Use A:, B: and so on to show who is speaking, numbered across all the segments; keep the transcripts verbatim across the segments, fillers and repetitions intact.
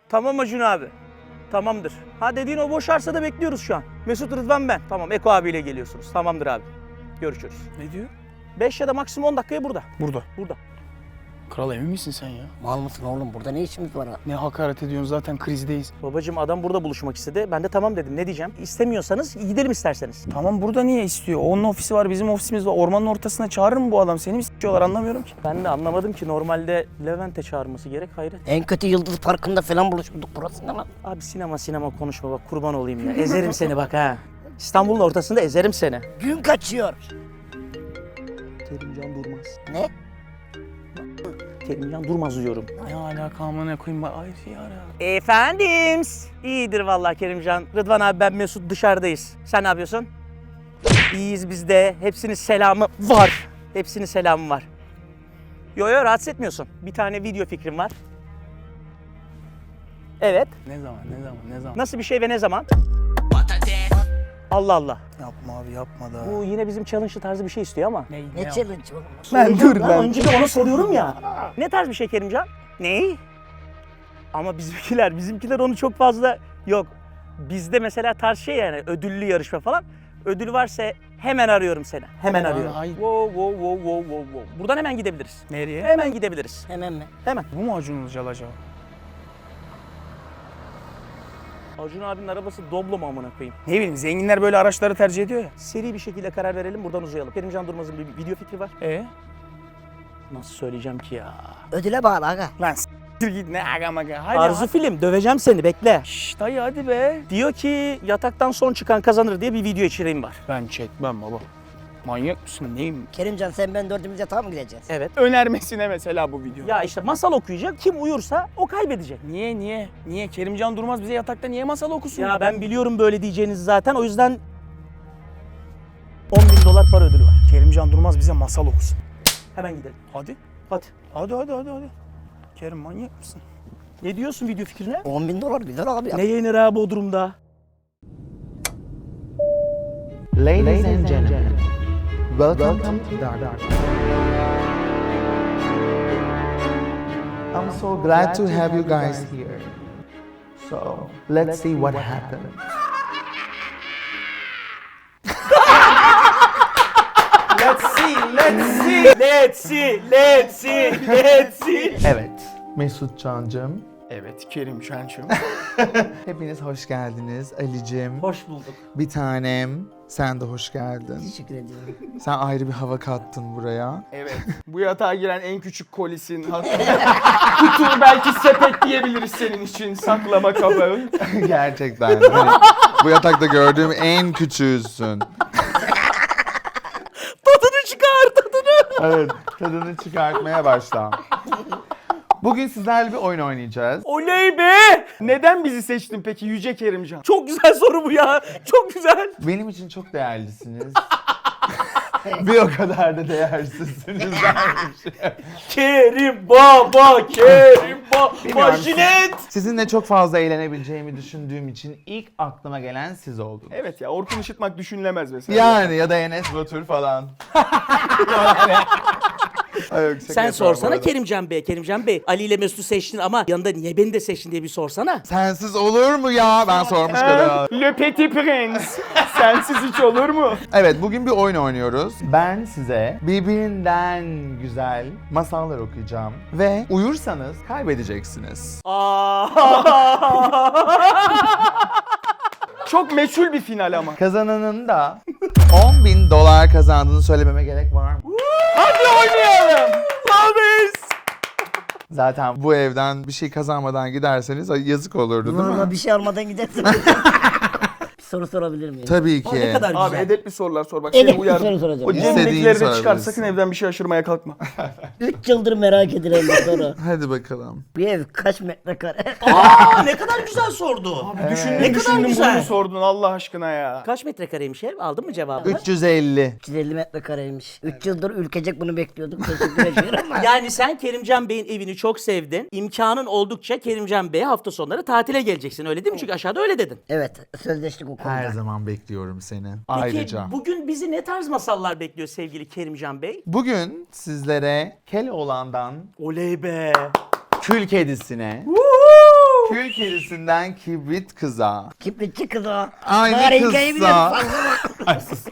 A: Tamam Acun abi. Tamamdır. Ha dediğin o boş arsada bekliyoruz şu an. Mesut, Rıdvan ben. Tamam Eko abiyle geliyorsunuz. Tamamdır abi. Görüşürüz.
B: Ne diyor?
A: beş ya da maksimum on dakikaya burada.
B: Burada.
A: Burada.
B: Kral emin misin sen ya?
C: Mal mısın oğlum? Burada ne işimiz var ha?
B: Ne hakaret ediyorsun, zaten krizdeyiz.
A: Babacığım adam burada buluşmak istedi. Ben de tamam dedim. Ne diyeceğim? İstemiyorsanız gidelim isterseniz.
B: Tamam, burada niye istiyor? Onun ofisi var, bizim ofisimiz var. Ormanın ortasına çağırır mı bu adam? Seni mi s***yorlar, anlamıyorum ki.
A: Ben de anlamadım ki normalde Levent'e çağırması gerek, hayret.
C: En kötü Yıldız Parkı'nda falan buluşmuştuk, burası ne lan?
A: Abi sinema sinema konuşma bak, kurban olayım ya. Ezerim seni bak ha. İstanbul'un ortasında ezerim seni.
C: Gün kaçıyor.
A: Kerimcan Durmaz.
C: Ne?
A: Kerimcan Durmaz diyorum.
B: Ne alaka amına koyayım, bak ay ya.
A: Efendim. İyidir vallahi Kerimcan. Rıdvan abi ben Mesut dışarıdayız. Sen ne yapıyorsun? İyiyiz biz de. Hepsinin selamı var. Hepsinin selamı var. Yo yo rahatsız etmiyorsun. Bir tane video fikrim var. Evet.
B: Ne zaman, ne zaman, ne zaman?
A: Nasıl bir şey ve ne zaman? Allah Allah.
B: Yapma abi, yapma da.
A: Bu yine bizim challenge tarzı bir şey istiyor ama.
B: Ne,
C: Ne
B: ne
C: challenge oğlum?
B: Ben dur
A: Lan
B: lan.
A: önce de ona soruyorum ya. Ne tarz bir şey Kerimcan? Ney? Ama bizimkiler, bizimkiler onu çok fazla yok. Bizde mesela tarz şey yani ödüllü yarışma falan. Ödül varsa hemen arıyorum seni. Hemen
B: Aman,
A: arıyorum.
B: hayır.
A: Wow, wow, wow, wow, wow, wow. Buradan hemen gidebiliriz.
B: Nereye?
A: Hemen gidebiliriz.
C: Hemen mi?
A: Hemen.
B: Bu mu Acun Ilıcalı acaba?
A: Acun abinin arabası Doblo mu amına koyayım?
B: Ne bileyim, zenginler böyle araçları tercih ediyor ya.
A: Seri bir şekilde karar verelim, buradan uzayalım. Kerimcan Durmaz'ın bir video fikri var.
B: E?
A: Nasıl söyleyeceğim ki ya?
C: Ödüle bağlı aga.
B: Lan s**tir git, ne aga maga. Hadi.
A: Arzu film, döveceğim seni, bekle.
B: Şşş dayı hadi be.
A: Diyor ki yataktan son çıkan kazanır diye bir video içeriğim var.
B: Ben çekmem baba. Manyak mısın, neyim?
C: Kerimcan sen ben dördümüz yatağa mı gideceğiz?
A: Evet.
B: Önermesine mesela bu video.
A: Ya işte masal okuyacak, kim uyursa o kaybedecek.
B: Niye, niye? Niye? Kerimcan Durmaz bize yatakta niye masal okusun?
A: Ya ben biliyorum böyle diyeceğinizi zaten, o yüzden on bin dolar para ödülü var.
B: Kerimcan Durmaz bize masal okusun.
A: Hemen gidelim.
B: Hadi.
A: Hadi.
B: Hadi hadi hadi hadi. Kerim manyak mısın?
A: Ne diyorsun video fikrine?
C: on bin dolar güzel abi ya.
A: Ne yenir ha Bodrum'da?
D: Ladies and gentlemen, welcome to Dark. I'm so glad to have you guys here. So, let's see what happened.
A: Let's see, let's see, let's see, let's see, let's see.
D: Evet, Mesut Can'cığım,
B: Evet Kerim Şençim.
D: hepiniz hoş geldiniz. Ali'cim,
A: Hoş bulduk.
D: bir tanem, sen de hoş geldin.
C: Teşekkür ediyorum.
D: Sen ayrı bir hava kattın buraya.
B: Evet. Bu yatağa giren en küçük kolisin. Kutu belki sepet diyebiliriz senin için. Saklama kabı.
D: Gerçekten. Hani bu yatakta gördüğüm en küçüğüsün.
A: Tadını çıkar, tadını.
D: Evet, tadını çıkartmaya başla. Bugün sizlerle bir oyun oynayacağız.
A: Oley be!
B: Neden bizi seçtin peki Yüce Kerimcan?
A: Çok güzel soru bu ya. Çok güzel.
D: Benim için çok değerlisiniz. Bir o kadar da değersizsiniz dermiş.
A: Kerim baba, Kerim baba, jilet.
D: Sizinle çok fazla eğlenebileceğimi düşündüğüm için ilk aklıma gelen siz oldunuz.
B: Evet ya, Orkun Işıtmak düşünülemez mesela.
D: Yani ya da Enes Batur falan. Ay yok, şaka
A: Sen
D: yapıyorum bu
A: sorsana
D: arada.
A: Kerimcan Bey, Kerimcan Bey. Ali ile Mesut'u seçtin ama yanında niye beni de seçtin diye bir sorsana.
D: Sensiz olur mu ya? Ben sormuş kadar.
B: Le Petit Prince. Sensiz hiç olur mu?
D: Evet, bugün bir oyun oynuyoruz. Ben size birbirinden güzel masallar okuyacağım. Ve uyursanız kaybedeceksiniz.
B: Çok meçhul bir final ama.
D: Kazananın da on bin dolar kazandığını söylememe gerek var mı?
B: Hadi oynayalım. Love is.
D: Zaten bu evden bir şey kazanmadan giderseniz yazık olurdu değil mi?
C: Normal bir şey almadan gidersin. Bir soru sorabilir miyim?
D: Tabii ki.
A: Ne kadar
B: Abi
A: güzel.
B: edepli sorular sor bak,
C: Edepli
B: seni uyardım.
C: soru soracağım.
B: O
D: İstediğini
B: cebindekileri de çıkar,
D: sorabilirsin.
B: sakın evden bir şey aşırmaya kalkma.
C: üç yıldır merak edilen bir soru.
D: Hadi bakalım.
C: Bir ev kaç metrekare?
A: Aa ne kadar güzel sordu.
B: Düşündüm
A: Ne kadar
B: düşündüm
A: güzel.
B: bunu sordun Allah aşkına ya.
A: Kaç metrekareymiş ev? Aldın mı cevabını?
D: üç yüz elli.
C: üç yüz elli metrekareymiş. üç yıldır ülkecek bunu bekliyorduk. Teşekkür ediyorum ama.
A: Yani sen Kerimcan Bey'in evini çok sevdin. İmkanın oldukça Kerimcan Bey'e hafta sonları tatile geleceksin. Öyle değil mi? Çünkü aşağıda öyle dedin.
C: Evet, sözleştik o konuda.
D: Her zaman bekliyorum seni.
A: Peki
D: Ayrıca.
A: bugün bizi ne tarz masallar bekliyor sevgili Kerimcan Bey?
D: Bugün sizlere Keloğlan'dan
A: Oley be.
D: Kül Kedisi'ne, Kül kedisinden kibrit kıza.
C: Kibritçi kız o.
D: Aynı
C: Bari
D: kızsa.
C: hikayeyi biliyorum.
D: Ay, sus.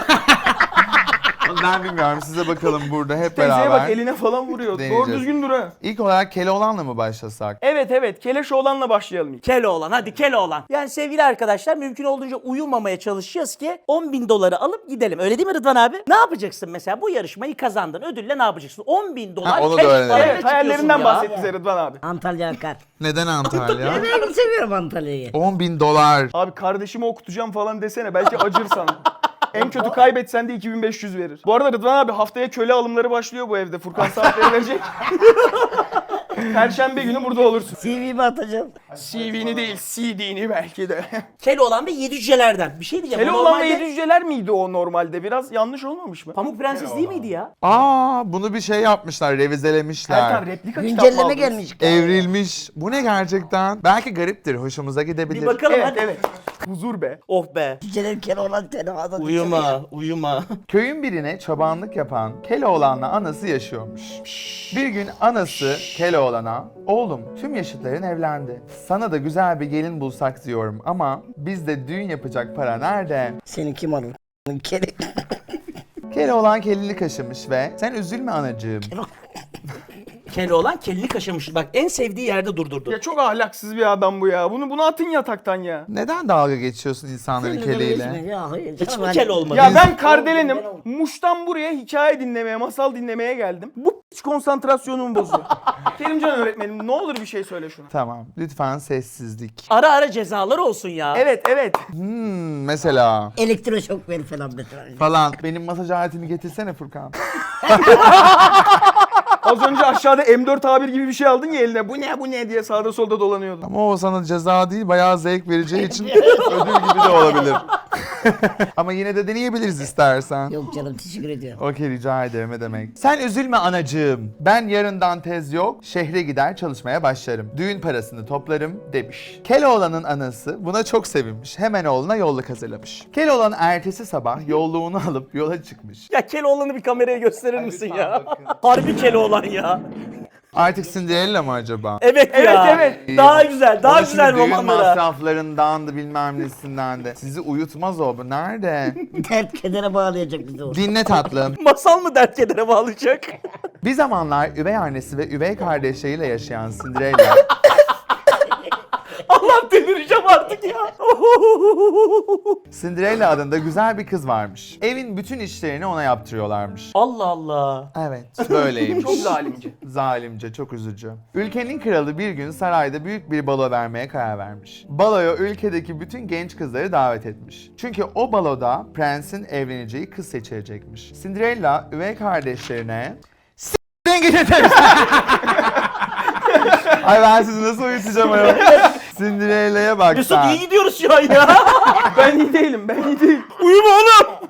D: Ben bilmiyorum, size bakalım burada hep
B: Teyzeye
D: beraber.
B: bak, eline falan vuruyor. Doğru
D: deneyeceğiz.
B: düzgün dur ha.
D: İlk olarak Keloğlan'la mı başlasak?
B: Evet evet, Keleş oğlanla başlayalım ilk.
A: Keloğlan, hadi Keloğlan. Yani sevgili arkadaşlar, mümkün olduğunca uyumamaya çalışacağız ki on bin doları alıp gidelim. Öyle değil mi Rıdvan abi? Ne yapacaksın mesela? Bu yarışmayı kazandın. Ödülle ne yapacaksın? on bin dolar
D: Ha, onu da
A: cash
D: öğrenelim.
A: parayla
B: Evet,
A: çıkıyorsun
B: hayallerinden
A: ya.
B: bahset bize Rıdvan abi.
C: Antalya akar.
D: Neden Antalya?
C: Ben seviyorum Antalya'yı.
D: on bin dolar.
B: Abi kardeşimi okutacağım falan desene, belki acır sana. En kötü kaybetsen de iki bin beş yüz verir. Bu arada Rıdvan abi, haftaya köle alımları başlıyor bu evde. Furkan saatleri verecek. Perşembe günü burada olursun.
C: C V'mi atacağım.
B: C V'ni değil, C D'ni belki de.
A: Keloğlan ve yedi cücelerden. Bir şey diyeceğim.
B: Kele
A: o
B: olan ve
A: normalde
B: yedi cüceler miydi o normalde? Biraz yanlış olmamış mı?
A: Pamuk Prenses değil miydi ya?
D: Aa, bunu bir şey yapmışlar, revizelemişler.
B: Erkan, replika kitap mı
C: Güncelleme
B: aldınız?
C: gelmiş.
D: Evrilmiş. Bu ne gerçekten? Belki gariptir, hoşumuza gidebilir.
A: Bir bakalım
B: Evet
A: hadi.
B: evet. Huzur be.
A: Oh be.
C: Cüceler kere olan tenefada.
A: Uyuma, uyuma.
D: Köyün birine çobanlık yapan Keloğlan'la anası yaşıyormuş. Bir gün anası Keloğlan'a, "Oğlum, tüm yaşıtların evlendi. Sana da güzel bir gelin bulsak diyorum ama bizde düğün yapacak para nerede?"
C: Seni kim alır? Kere.
D: Keloğlan kelini kaşımış ve "Sen üzülme anacığım.
A: Keloğlan kelini kaşımış. Bak, en sevdiği yerde durdurdu.
B: Ya çok ahlaksız bir adam bu ya. Bunu bunu atın yataktan ya.
D: Neden dalga geçiyorsun insanların keliyle?"
C: Ya hayır.
A: Hiç
C: canım,
A: mi
C: hani-
A: kel olmadı?
B: Ya
D: Biz-
B: ben Kardelenim. Muş'tan buraya hikaye dinlemeye, masal dinlemeye geldim. Bu hiç konsantrasyonumu bozuyor. Kerimcan öğretmenim, ne olur bir şey söyle şuna.
D: Tamam, lütfen sessizlik.
A: Ara ara cezalar olsun ya.
B: Evet evet.
D: Hmm, mesela
C: Elektroşok ver falan mesela.
D: falan. Benim masaj aletimi getirsene Furkan.
B: Az önce aşağıda M dört A bir gibi bir şey aldın ya eline. Bu ne bu ne diye sağda solda dolanıyordun.
D: Ama o sana ceza değil, bayağı zevk vereceği için ödül gibi de olabilir. Ama yine de deneyebiliriz istersen.
C: Yok canım, teşekkür ediyorum.
D: Okey, rica ederim, ne demek. Sen üzülme anacığım. Ben yarından tez yok, şehre gider çalışmaya başlarım. Düğün parasını toplarım demiş. Keloğlan'ın anası buna çok sevinmiş. Hemen oğluna yolluk hazırlamış. Keloğlan ertesi sabah yolluğunu alıp yola çıkmış.
A: Ya Keloğlan'ı bir kameraya gösterir misin
D: lütfen
A: ya?
D: bakın.
A: Harbi Keloğlan ya.
D: Artık Cinderella mı acaba?
A: Evet,
B: Evet,
A: ya.
B: evet.
A: Daha güzel, daha
D: Onun şimdi
A: güzel
D: düğün
A: romanlara.
D: masraflarından da bilmem nesinden de. Sizi uyutmaz o. Bu nerede?
C: Dert kedere bağlayacak bizi o.
D: Dinle tatlım.
A: Masal mı dert kedere bağlayacak?
D: Bir zamanlar üvey annesi ve üvey kardeşleriyle yaşayan Cinderella
A: Allah, delireceğim artık ya.
D: Cinderella adında güzel bir kız varmış. Evin bütün işlerini ona yaptırıyorlarmış.
A: Allah Allah.
D: Evet, böyleymiş.
B: Çok zalimce.
D: Zalimce, çok üzücü. Ülkenin kralı bir gün sarayda büyük bir balo vermeye karar vermiş. Baloya ülkedeki bütün genç kızları davet etmiş. Çünkü o baloda prensin evleneceği kız seçilecekmiş. Cinderella üvey kardeşlerine "S***den gidin demişler." Ay, ben sizi nasıl uyutacağım ayol? Cinderella'ya bak
A: Mesut,
D: sen.
A: iyi gidiyoruz şu an ya.
B: Ben iyi değilim, ben iyi değilim.
A: Uyuma oğlum.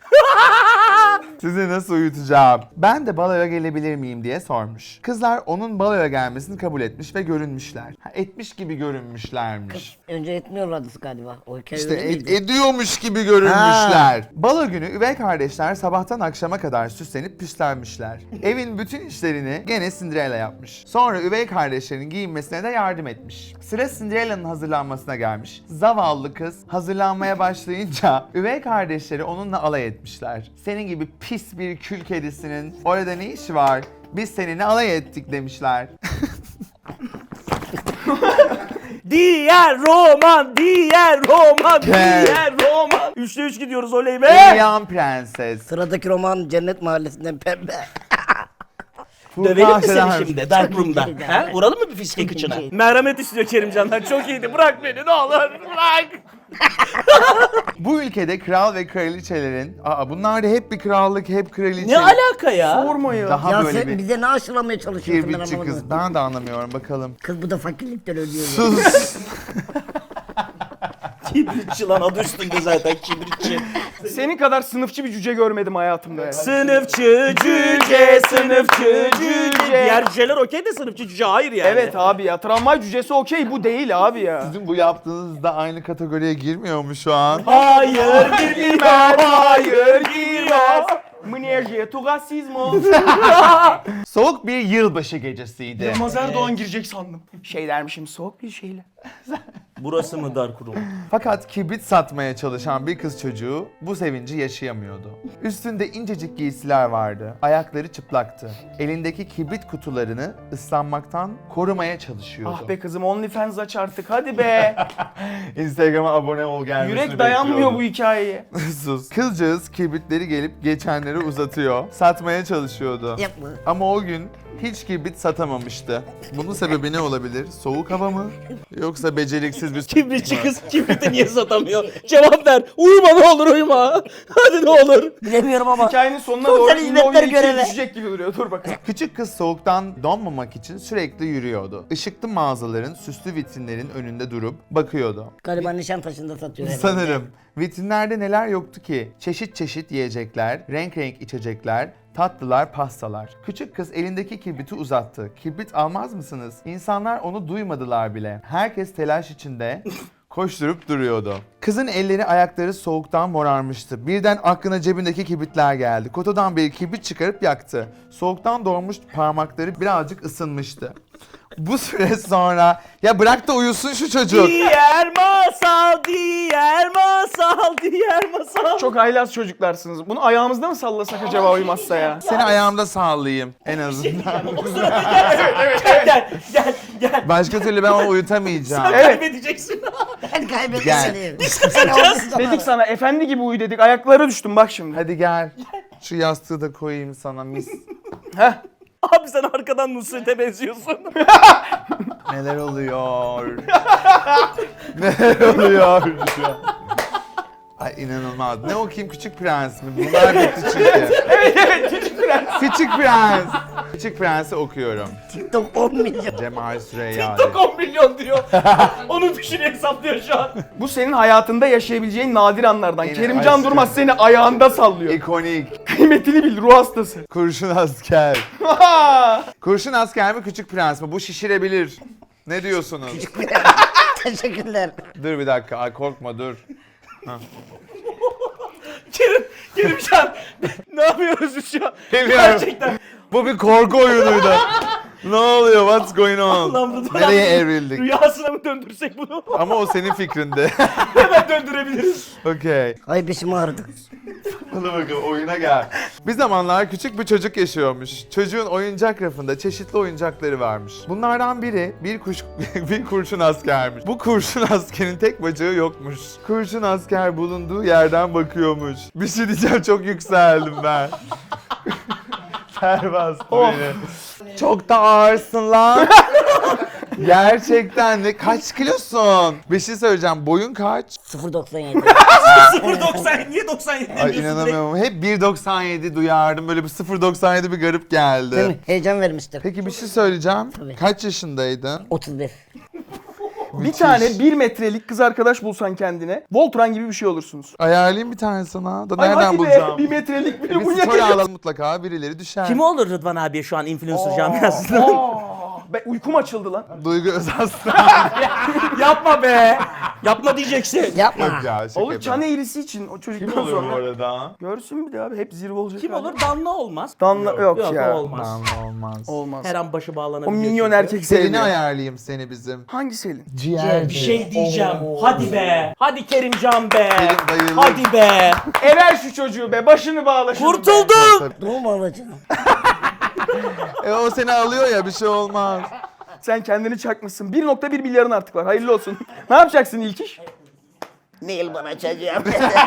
D: Sizi nasıl uyutacağım? Ben de baloya gelebilir miyim diye sormuş. Kızlar onun baloya gelmesini kabul etmiş ve görünmüşler. Ha, etmiş gibi görünmüşlermiş.
C: Önce etmiyorlardı galiba. O hikaye
D: İşte
C: öyle
D: ed-
C: miydi?
D: ediyormuş gibi görünmüşler. Balo günü üvey kardeşler sabahtan akşama kadar süslenip püslenmişler. Evin bütün işlerini gene Cinderella yapmış. Sonra üvey kardeşlerin giyinmesine de yardım etmiş. Sıra Cinderella'nın hazırlanmasına gelmiş. Zavallı kız hazırlanmaya başlayınca üvey kardeşleri onunla alay etmişler. Senin gibi pis bir kül kedisinin orada ne işi var? Biz seninle alay ettik demişler.
A: Diğer roman, diğer roman,
D: Gel.
A: diğer roman. Üçte üç gidiyoruz, oley be.
D: Uyuyan prenses.
C: Sıradaki roman Cennet Mahallesi'nden pembe.
A: Dövelim mi
D: Selam.
A: seni şimdi Dark
C: Çok
A: Room'da?
C: iyiydi
A: Ha?
C: abi.
A: Vuralım mı bir fiske
C: Çok
A: kıçına?
C: iyiydi.
A: Merhamet istiyor Kerimcan'dan. Çok iyiydi. Bırak beni, ne olur. Bırak.
D: Bu ülkede kral ve kraliçelerin, aa bunlar da hep bir krallık, hep kraliçe.
A: Ne alaka ya?
B: Sorma ya.
D: Daha
C: Ya
D: böyle
C: sen
D: bir
C: bize ne aşılamaya çalışıyorsun, ben
D: kirbitçi
C: anlamadım.
D: kız. Ben de anlamıyorum, bakalım.
C: Kız bu da fakirlikten ölüyor. ya.
D: Sus.
A: Kibritçi lan, adı üstünde zaten, kibritçi.
B: Senin kadar sınıfçı bir cüce görmedim hayatımda ya.
A: Sınıfçı cüce, sınıfçı cüce. Diğer cüceler okey de sınıfçı cüce hayır yani.
B: Evet abi ya, tramvay cücesi okey, bu değil abi ya.
D: Sizin bu yaptığınız da aynı kategoriye girmiyor mu şu an?
A: Hayır girmez, hayır girmez.
B: Mnerje, tu rasizmo.
D: Soğuk bir yılbaşı gecesiydi.
B: Yılmaz Erdoğan girecek sandım. Şey dermişim, soğuk bir şeyle.
A: Burası mı dar kurum?
D: Fakat kibrit satmaya çalışan bir kız çocuğu bu sevinci yaşayamıyordu. Üstünde incecik giysiler vardı. Ayakları çıplaktı. Elindeki kibrit kutularını ıslanmaktan korumaya çalışıyordu.
B: Ah be kızım, OnlyFans aç artık hadi be.
D: Instagram'a abone ol gelmesini
B: Yürek dayanmıyor
D: bekliyordum.
B: bu hikayeye.
D: Sus. Kızcağız kibritleri gelip geçenleri uzatıyor. Satmaya çalışıyordu.
C: Yapma.
D: Ama o gün hiç kibrit satamamıştı. Bunun sebebi ne olabilir? Soğuk hava mı? Yoksa beceriksiz bir...
A: Kibritçi kız kibriti niye satamıyor? Cevap ver. Uyuma ne olur uyuma. Hadi ne olur.
C: Bilemiyorum ama.
B: Hikayenin sonuna
C: Sosyal
B: doğru
C: hizmetler
B: Innovia ikiye
C: görevi.
B: düşecek gibi duruyor. Dur bakalım.
D: Küçük kız soğuktan donmamak için sürekli yürüyordu. Işıklı mağazaların süslü vitrinlerin önünde durup bakıyordu.
C: Galiba Nişantaşı'nda satıyor herhalde.
D: Sanırım. Vitrinlerde neler yoktu ki? Çeşit çeşit yiyecekler, renk renk içecekler, tatlılar, pastalar. Küçük kız elindeki kibriti uzattı. Kibrit almaz mısınız? İnsanlar onu duymadılar bile. Herkes telaş içinde koşturup duruyordu. Kızın elleri ayakları soğuktan morarmıştı. Birden aklına cebindeki kibritler geldi. Kutudan bir kibrit çıkarıp yaktı. Soğuktan donmuş parmakları birazcık ısınmıştı. Bu süre sonra ya bırak da uyusun şu çocuk.
A: Diğer masal, diğer masal, diğer masal.
B: Çok haylaz çocuklarsınız. Bunu ayağımızda mı sallasak acaba uymazsa ya?
D: Seni ayağımda sallayayım en azından.
A: O sırada gel, gel, gel, gel.
D: Başka türlü ben onu uyutamayacağım.
B: Evet.
A: Kaybedeceksin.
C: Ben kaybettim
D: Gel.
C: seni. Sen olmuşsun
B: Dedik sana efendi gibi uyu dedik. Ayaklara düştüm bak şimdi.
D: Hadi gel. Şu yastığı da koyayım sana mis.
B: Heh.
A: Abi sen arkadan Nusret'e benziyorsun.
D: Neler oluyor? Neler oluyor? Ay inanılmaz. Ne okuyayım Küçük Prens mi? Bunlar bitti çünkü.
B: Evet evet Küçük Prens.
D: Küçük Prens. Küçük Prens'i okuyorum.
C: TikTok on milyon.
D: Cemal Süreyya.
A: TikTok on milyon diyor. Onun fişini hesaplıyor şu an.
B: Bu senin hayatında yaşayabileceğin nadir anlardan.
D: Yine
B: Kerimcan
D: aşkım.
B: Durmaz seni ayağında sallıyor.
D: İkonik.
B: Kıymetini bil, ruh hastası.
D: Kurşun asker. Kurşun asker mi Küçük Prens mi? Bu şişirebilir. Ne diyorsunuz?
C: Teşekkürler.
D: Dur bir dakika. Ay korkma dur.
A: Kerim, Kerimcan ne yapıyoruz biz şu an?
D: Bilmiyorum.
A: Gerçekten.
D: Bu bir korku oyunuydu. Ne oluyor? What's going on?
A: Allah'ım Rıdvan
D: Nereye
A: abi,
D: evrildik?
A: Rüyasına mı döndürsek bunu?
D: Ama o senin fikrindi.
A: Hemen döndürebiliriz.
D: Okey.
C: Ay beşim ağrıdı.
D: Hadi bakalım oyuna gel. Bir zamanlar küçük bir çocuk yaşıyormuş. Çocuğun oyuncak rafında çeşitli oyuncakları varmış. Bunlardan biri bir kuş bir kurşun askermiş. Bu kurşun askerin tek bacağı yokmuş. Kurşun asker bulunduğu yerden bakıyormuş. Bir şey diyeceğim, çok yükseldim ben. Ter bastı beni. Çok da ağırsın lan. Gerçekten de kaç kilosun? Bir şey söyleyeceğim. Boyun kaç?
C: sıfır doksan yedi.
A: sıfır doksan niye doksan yedi
D: Ay
A: demiyorsun direkt?
D: inanamıyorum. Hep bir doksan yedi duyardım. Böyle bir sıfır doksan yedi bir garip geldi.
C: Değil mi? Heyecan vermiştir.
D: Peki bir şey söyleyeceğim.
C: Tabii.
D: Kaç yaşındaydın?
C: otuz bir.
B: Bir tane bir metrelik kız arkadaş bulsan kendine, Voltron gibi bir şey olursunuz.
D: Ayarlayayım bir tane sana. Da
B: Ay
D: nereden
B: hadi
D: bulacağım?
B: be, bir metrelik bir
D: Bir
B: bu
D: story alalım mutlaka. Birileri düşer.
A: Kim olur Rıdvan abiye şu an influencer camiasında?
B: Aa, be, uykum açıldı lan.
D: Duygu Özaslan.
A: Yapma be. Yapma diyeceksin.
C: Yapma.
D: Yok ya şaka
B: Olur
D: yapıyorum.
B: çan eğrisi için o çocuktan
D: Kim olur bu
B: sonra.
D: arada?
B: Görsün bir de abi, hep zirve olacak.
A: Kim
B: abi.
A: olur? Danla olmaz.
B: Danla yok,
A: Yok
B: ya.
A: o olmaz.
D: Tamam olmaz.
B: Olmaz.
A: Her an başı bağlanabilir.
B: O minyon
A: çünkü.
B: erkek
D: Selin'i
B: sevmiyor.
D: ayarlayayım seni bizim.
B: Hangi Selin?
D: Ciğer.
A: Bir şey diyeceğim. Hadi be. Hadi Kerimcan be.
D: Kerim bayılır.
A: Hadi be.
B: Ever şu çocuğu be, başını bağla şunu be.
A: Kurtuldum.
C: Doğum alacağım.
D: E o seni alıyor ya, bir şey olmaz.
B: Sen kendini çakmışsın. bir nokta bir milyarın artık var. Hayırlı olsun. Ne yapacaksın ilk iş?
C: Nail bana açacağım.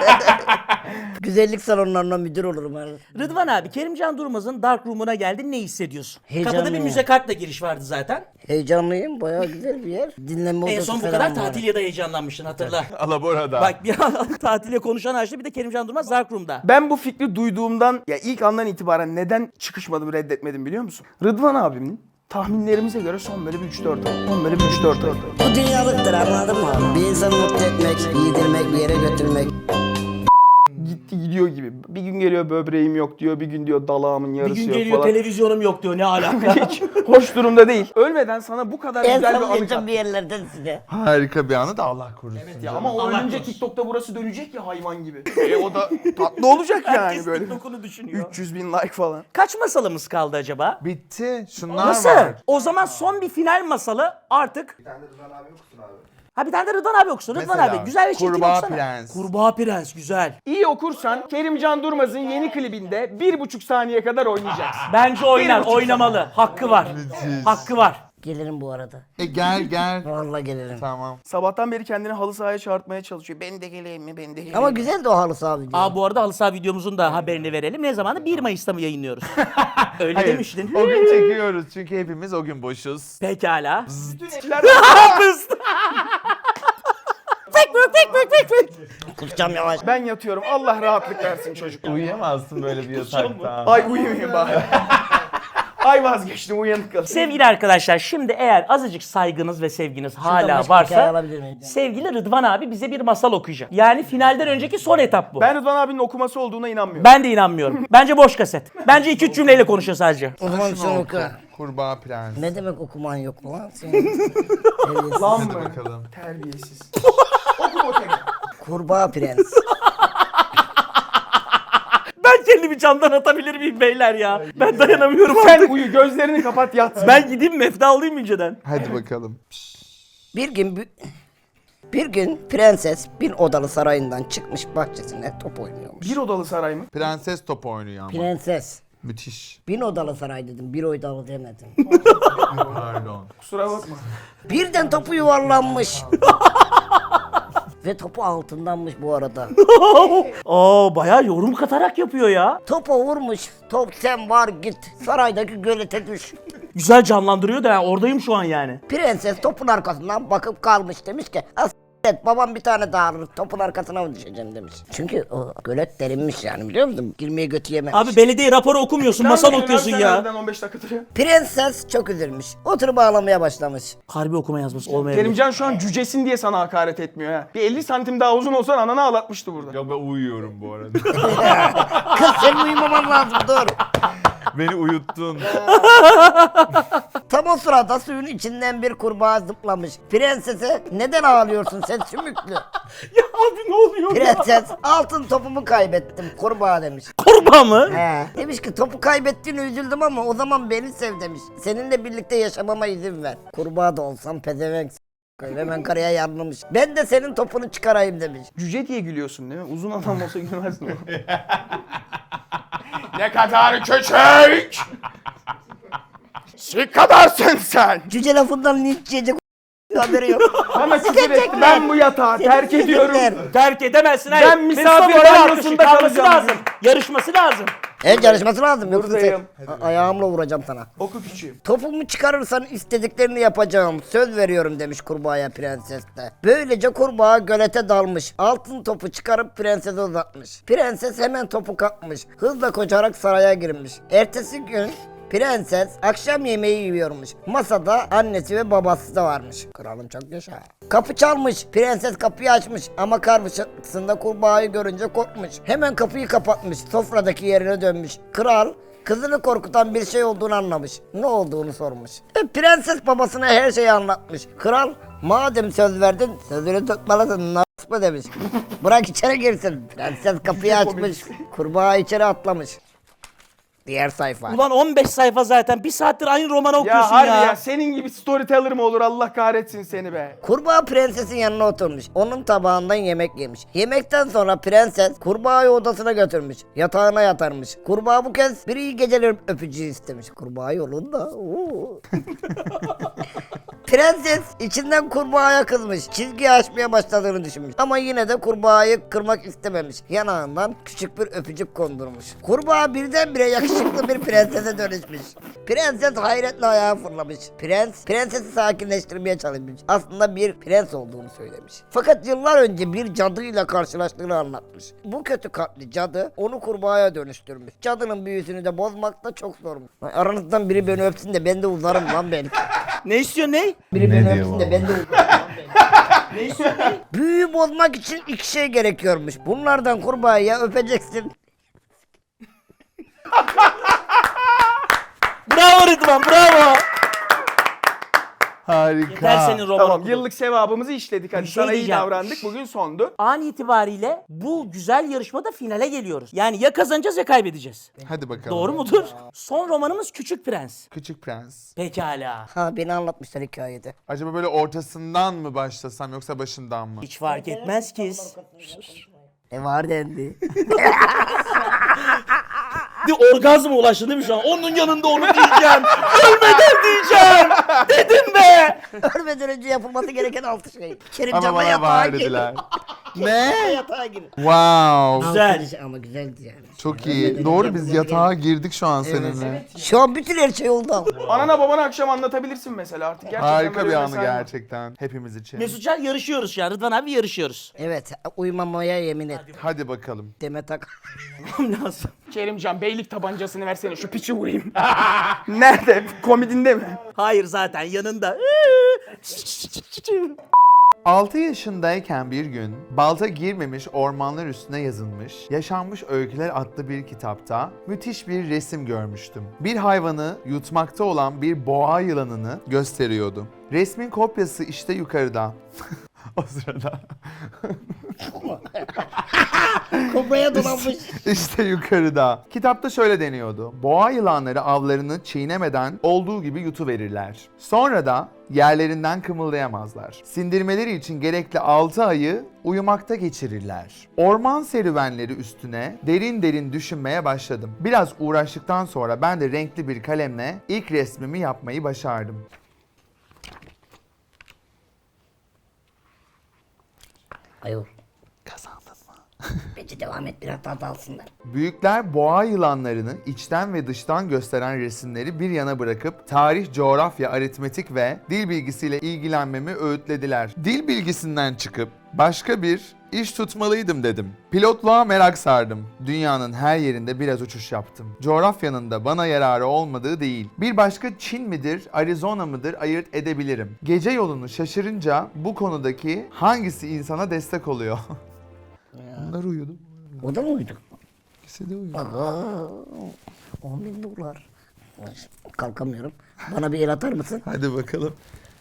C: Güzellik salonlarına müdür olurum abi.
A: Rıdvan abi Kerimcan Durmaz'ın Dark Room'una geldin, ne hissediyorsun? Kapıda bir
C: Heyecanlıyım.
A: müze kartla giriş vardı zaten.
C: Heyecanlıyım. Bayağı güzel bir yer. Dinlenme
A: En
C: odası
A: son bu
C: falan
A: kadar
C: var.
A: tatil ya da heyecanlanmıştın hatırla.
D: Alabora'da.
A: Bak bir an tatile konuşan açtı, bir de Kerimcan Durmaz Dark Room'da.
B: Ben bu fikri duyduğumdan, ya ilk andan itibaren neden çıkışmadım, reddetmedim biliyor musun? Rıdvan abimin tahminlerimize göre son böyle bir üç dört ay. Son böyle bir üç dört ay.
C: Bu dünyalıktır, anladın mı abi? Bir insanı mutlu etmek, yedirmek, bir yere götürmek.
B: Gitti bitti gidiyor gibi. Bir gün geliyor böbreğim yok diyor, bir gün diyor dalağımın
A: Bir
B: yarısı
A: gün
B: yok
A: geliyor
B: falan.
A: televizyonum yok diyor, ne alaka?
B: Hiç hoş durumda değil. Ölmeden sana bu kadar
C: En
B: güzel bir
C: son
B: anı
C: geçen
B: kattı.
C: bir yerlerden size.
D: Harika bir anı da Allah korusun.
B: Ya
D: canım.
B: ama o
A: Allah
B: ölünce
A: korusun.
B: TikTok'ta burası dönecek ya hayvan gibi. E o da tatlı olacak yani
A: Herkes
B: böyle.
A: TikTok'unu düşünüyor.
B: üç yüz bin like falan.
A: Kaç masalımız kaldı acaba?
D: Bitti. Şunlar
A: Nasıl?
D: var.
A: O zaman son bir final masalı artık. Bir tane de Rıdvan abi okusun abi. Ha bir tane de Rıdvan abi okusun. Rıdvan
D: Mesela,
A: abi güzel bir şekilde
D: Kurbağa
A: okusana.
D: Prens.
A: Kurbağa Prens güzel.
B: İyi okursan Kerimcan Durmaz'ın yeni klibinde bir buçuk saniye kadar oynayacaksın.
A: Bence oynar,
B: buçuk
A: oynamalı. Hakkı var.
D: Müthiş.
A: Hakkı var.
C: Gelirim bu arada.
D: E gel gel.
C: Vallahi gelirim.
D: Tamam.
B: Sabahtan beri kendini halı sahaya çağırtmaya çalışıyor. Ben de geleyim mi? Ben de geleyim
C: Ama
B: mi?
C: güzel de o halı saha video.
A: Aa bu arada halı saha videomuzun da haberini verelim. Ne zamanı? bir Mayıs'ta mı yayınlıyoruz? Öyle
D: Hayır.
A: demiştin.
D: O gün çekiyoruz çünkü hepimiz o gün boşuz.
A: Pekala.
C: Kusacağım yavaş.
B: Ben yatıyorum. Allah rahatlık versin çocuk.
D: Uyuyamazsın böyle bir yatakta.
B: Ay uyumayayım bari. Ay vazgeçtim, uyanık kalın.
A: Sevgili arkadaşlar, şimdi eğer azıcık saygınız ve sevginiz
C: Şuradan
A: hala
C: başka bir hikaye
A: varsa
C: alabilir miyim?
A: sevgili Rıdvan abi bize bir masal okuyacak. Yani finalden önceki son etap bu. Ben,
B: Ben Rıdvan abinin okuması olduğuna inanmıyorum.
A: de inanmıyorum. Bence boş kaset. Bence iki üç cümleyle konuşuyor sadece.
C: O zaman sen oku.
D: Kurbağa Prens.
C: Ne demek okuman yok mu lan? Senin? Evet.
B: Lan
D: Hadi
B: mı?
D: bakalım.
B: Terbiyesiz. Oku Botek.
C: Kurbağa Prens.
A: Ben kendimi camdan atabilir miyim beyler ya? Ben dayanamıyorum
B: Sen
A: artık.
B: uyu, gözlerini kapat yat.
A: Ben gideyim mefta alayım inceden.
D: Hadi bakalım.
C: Bir gün bir, bir gün prenses bir odalı sarayından çıkmış bahçesine top oynuyormuş.
B: Bir odalı saray mı?
D: Prenses top oynuyor ama.
C: Prenses.
D: Müthiş.
C: Bir odalı saray dedim, bir odalı demedim.
D: Pardon.
B: Kusura bakma.
C: Birden topu yuvarlanmış. Ve topu altındanmış bu arada.
A: Aa bayağı yorum katarak yapıyor ya.
C: Topa vurmuş. Top sen var git. Saraydaki gölete düş.
A: Güzel canlandırıyor da ya, oradayım şu an yani.
C: Prenses topun arkasından bakıp kalmış, demiş ki as et babam bir tane daha alır, topun arkasına mı düşeceğim demiş. Çünkü o gölet derinmiş yani, biliyor musun? Girmeye götü yememiş.
A: Abi belediye raporu okumuyorsun, masal okuyorsun ya.
B: on beş dakika duruyor.
C: Prenses çok üzülmüş. Oturup ağlamaya başlamış.
A: Harbi okuma yazması olmayabilir.
B: Kerimcan şu an cücesin diye sana hakaret etmiyor ha. Bir elli santim daha uzun olsan ananı ağlatmıştı burada.
D: Ya ben uyuyorum bu arada.
C: Kız senin uyumaman lazım, dur.
D: Beni uyuttun.
C: Tam o sırada suyun içinden bir kurbağa zıplamış. Prensese neden ağlıyorsun sen sümüklü?
A: Ya abi ne oluyor ya?
C: Prenses altın topumu kaybettim kurbağa demiş.
A: Kurbağa mı?
C: He. Demiş ki topu kaybettiğine üzüldüm ama o zaman beni sev demiş. Seninle birlikte yaşamama izin ver. Kurbağa da olsam pezevenk s- hemen karıya yanlamış. Ben de senin topunu çıkarayım demiş.
B: Cüce diye gülüyorsun değil mi? Uzun adam olsa gülmezdin o. Ne kadar küçük! Ne kadarsın sen!
C: Cüce lafından linç yiyecek haberi yok.
B: Bana küfür etti. Ben bu yatağı terk ediyorum.
A: Terk edemezsin. Hayır.
B: Ben misafir
A: Mesut Bey
B: banyosunda
A: kalması
B: kalacağım.
A: lazım. Yarışması lazım.
C: Evet, yarışması lazım. Yoksa sen...
B: Buradayım.
C: A- ayağımla vuracağım sana.
B: Oku küçüğüm.
C: Topumu çıkarırsan istediklerini yapacağım. Söz veriyorum demiş kurbağaya prenses de. Böylece kurbağa gölete dalmış. Altın topu çıkarıp prensese uzatmış. Prenses hemen topu kapmış. Hızla koşarak saraya girmiş. Ertesi gün prenses akşam yemeği yiyormuş. Masada annesi ve babası da varmış. Kralım çok yaşa. Kapı çalmış. Prenses kapıyı açmış ama karşısında kurbağayı görünce korkmuş. Hemen kapıyı kapatmış. Sofradaki yerine dönmüş. Kral kızını korkutan bir şey olduğunu anlamış. Ne olduğunu sormuş. E, prenses babasına her şeyi anlatmış. Kral madem söz verdin sözünü tutmalısın nasıl demiş. Bırak içeri girsin. Prenses kapıyı açmış. Kurbağa içeri atlamış. Diğer sayfa.
A: Ulan on beş sayfa zaten. Bir saattir aynı romanı okuyorsun
B: Ya
A: ya.
B: harbi ya. senin gibi storyteller mi olur, Allah kahretsin seni be.
C: Kurbağa prensesin yanına oturmuş. Onun tabağından yemek yemiş. Yemekten sonra prenses kurbağayı odasına götürmüş. Yatağına yatarmış. Kurbağa bu kez bir iyi geceler öpücüğü istemiş. Kurbağa yolunda. Oo. Prenses içinden kurbağaya kızmış. Çizgi açmaya başladığını düşünmüş. Ama yine de kurbağayı kırmak istememiş. Yanağından küçük bir öpücük kondurmuş. Kurbağa birdenbire yakışıklı bir prensese dönüşmüş. Prenses hayretle ayağa fırlamış. Prens, prensesi sakinleştirmeye çalışmış. Aslında bir prens olduğunu söylemiş. Fakat yıllar önce bir cadıyla karşılaştığını anlatmış. Bu kötü kalpli cadı onu kurbağaya dönüştürmüş. Cadının büyüsünü de bozmak da çok zormuş. Aranızdan biri beni öpsün de ben de uzarım lan belki.
A: Ne istiyor ne?
C: Biri
D: Ne
C: beni
D: diyor
C: öpsün
D: bu?
C: de ben de uzarım lan belki. Büyüğü bozmak için iki şey gerekiyormuş. Bunlardan kurbağayı ya öpeceksin.
A: Bravo Rıdvan, bravo.
D: Harika.
A: Yeter senin roman
B: Tamam
A: okudun.
B: yıllık sevabımızı işledik hadi
A: Bir şey
B: sana iyi
A: diyeceğim.
B: davrandık bugün sondu.
A: An itibariyle bu güzel yarışmada finale geliyoruz. Yani ya kazanacağız ya kaybedeceğiz.
D: Hadi bakalım.
A: Doğru mudur? Son romanımız Küçük Prens.
D: Küçük Prens.
A: Pekala.
C: Ha beni anlatmışlar hikayede.
D: Acaba böyle ortasından mı başlasam yoksa başından mı?
A: Hiç fark etmez ki.
C: E var dendi.
A: Bir orgazma ulaştın değil mi şu an? Onun yanında onu diyeceğim. Ölmeden diyeceğim. Dedim be.
C: Ölmeden önce yapılması gereken altı şey.
D: Ama
C: Kerimcan'la
D: bana
C: yatağa
D: var
C: gir.
D: dediler. Ne?
C: Yatağa gir.
D: Wow.
A: Güzel.
C: Altı şey ama güzeldi yani.
D: Çok
C: Ölmeden
D: iyi.
C: önce
D: Doğru biz
C: yapılması
D: yatağa girdik şu an seninle.
C: gereken- Şu an bütün her şey oldu ama.
B: Anana babana akşam anlatabilirsin mesela artık. Gerçekten
D: Harika
B: böyle
D: bir anı
B: mesai var.
D: gerçekten hepimiz için.
A: Mesutcan yarışıyoruz şu an. Rıdvan abi yarışıyoruz.
C: Evet uyumamaya yemin et.
D: Hadi bakalım.
C: Demet Ak.
A: Tamam lazım.
B: Kerimcan beylik tabancasını versene şu piçi vurayım. Nerede? Komedinde mi?
A: Hayır zaten yanında.
D: altı yaşındayken bir gün balta girmemiş ormanlar üstüne yazılmış Yaşanmış Öyküler adlı bir kitapta müthiş bir resim görmüştüm. Bir hayvanı yutmakta olan bir boğa yılanını gösteriyordu. Resmin kopyası işte yukarıda. O sırada
C: Kobraya dolanmış.
D: işte yukarıda. Kitapta şöyle deniyordu. Boğa yılanları avlarını çiğnemeden olduğu gibi yutuverirler. Sonra da yerlerinden kımıldayamazlar. Sindirmeleri için gerekli altı ayı uyumakta geçirirler. Orman serüvenleri üstüne derin derin düşünmeye başladım. Biraz uğraştıktan sonra ben de renkli bir kalemle ilk resmimi yapmayı başardım.
C: Ayol.
D: Kazandın mı?
C: Bence devam et biraz daha dalsınlar.
D: Büyükler boğa yılanlarını içten ve dıştan gösteren resimleri bir yana bırakıp tarih, coğrafya, aritmetik ve dil bilgisiyle ilgilenmemi öğütlediler. Dil bilgisinden çıkıp başka bir iş tutmalıydım dedim. Pilotluğa merak sardım. Dünyanın her yerinde biraz uçuş yaptım. Coğrafyanın da bana yararı olmadığı değil. Bir başka Çin midir, Arizona mıdır ayırt edebilirim. Gece yolunu şaşırınca bu konudaki hangisi insana destek oluyor? Bunlar uyudu.
C: O da mı uydu?
D: İkisi de uyudu.
C: Aa, on bin dolar. Kalkamıyorum. Bana bir el atar mısın?
D: Hadi bakalım.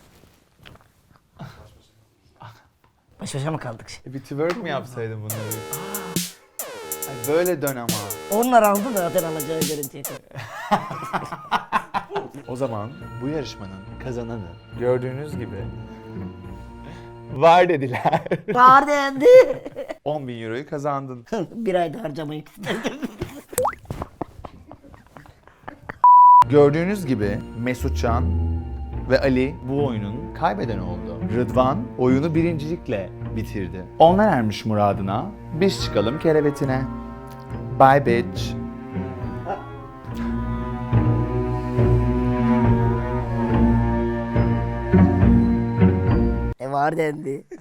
C: Baş başa mı kaldık şimdi?
D: E bir twerk mi yapsaydın bunları? Ay böyle dön ama.
C: Onlar aldı da zaten alacağı görüntüye kadar.
D: O zaman bu yarışmanın kazananı gördüğünüz gibi var dediler.
C: Var dendi.
D: on bin euroyu kazandın.
C: Bir ayda harcamayı istedim.
D: Gördüğünüz gibi Mesutcan ve Ali bu oyunun kaybeden oldu. Rıdvan oyunu birincilikle bitirdi. Onlar ermiş muradına, biz çıkalım kerevetine. Bye bitch.
C: E var dendi.